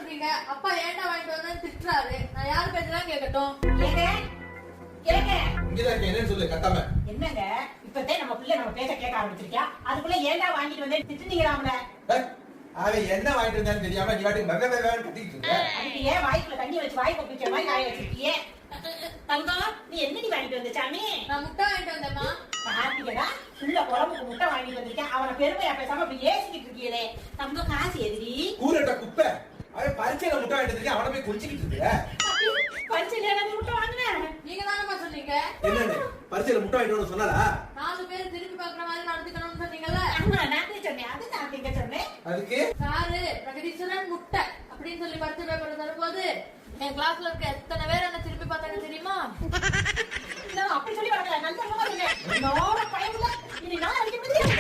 சொன்னீங்க. அப்பா ஏன்டா வாங்கிட்டு வந்தேன்னு திட்டுறாரு. நான் யார் பேச்சதான் கேட்கட்டும்? என்னன்னு சொல்லு கத்தாம. என்னங்க இப்பதான் நம்ம பிள்ளை நம்ம பேச கேட்க ஆரம்பிச்சிருக்கியா? அதுக்குள்ள ஏன்டா வாங்கிட்டு வந்து திட்டுனீங்களாம்ல? அவன் என்ன வாங்கிட்டு வந்தான்னு தெரியாம நீ வாட்டி வெவ்வேறு கட்டிட்டு இருக்க. அதுக்கு ஏன் வாய்க்குள்ள தண்ணி வச்சு வாய் கொப்பிச்ச மாதிரி காய வச்சிருக்கியே? தங்கம், நீ என்னடி வாங்கிட்டு வந்த சாமி? நான் முட்டை வாங்கிட்டு வந்தேம்மா. பாத்தீங்களா, புள்ள குழம்புக்கு முட்டை வாங்கிட்டு வந்திருக்கேன். அவனை பெருமையா பேசாம அப்படி ஏசிக்கிட்டு இருக்கீங்களே. தங்கம், காசு எதிரி கூரட்ட குப்பை. அவன் பரிச்சையில முட்டை வாங்கிட்டு வந்திருக்கேன். அவனை போய் குளிச்சுக்கிட்டு இருக்க. பரிச்சையில முட்டை வாங்கினேன். நீங்க தானம்மா சொன்னீங்க. என்னன்னு பரிச்சையில முட்டை வாங்கிட்டு சொன்னாரா? 4 பேர் திரும்பி பாக்குற மாதிரி நடந்துக்கணும்னு சொன்னீங்கல்ல. நான் சொன்னேன், அது நான் எங்க சொன்னேன். அதுக்கு சாரு பிரகதீஸ்வரன் முட்டை அப்படின்னு சொல்லி பரிச்சை பேப்பர் தரும்போது என் கிளாஸ்ல இருக்க எத்தனை பேர் என்ன திரும்பி பார்த்தாங்க தெரியுமா? அப்படி சொல்லி வரல, நல்ல பையன். இனி நான் அடிக்க முடியாது.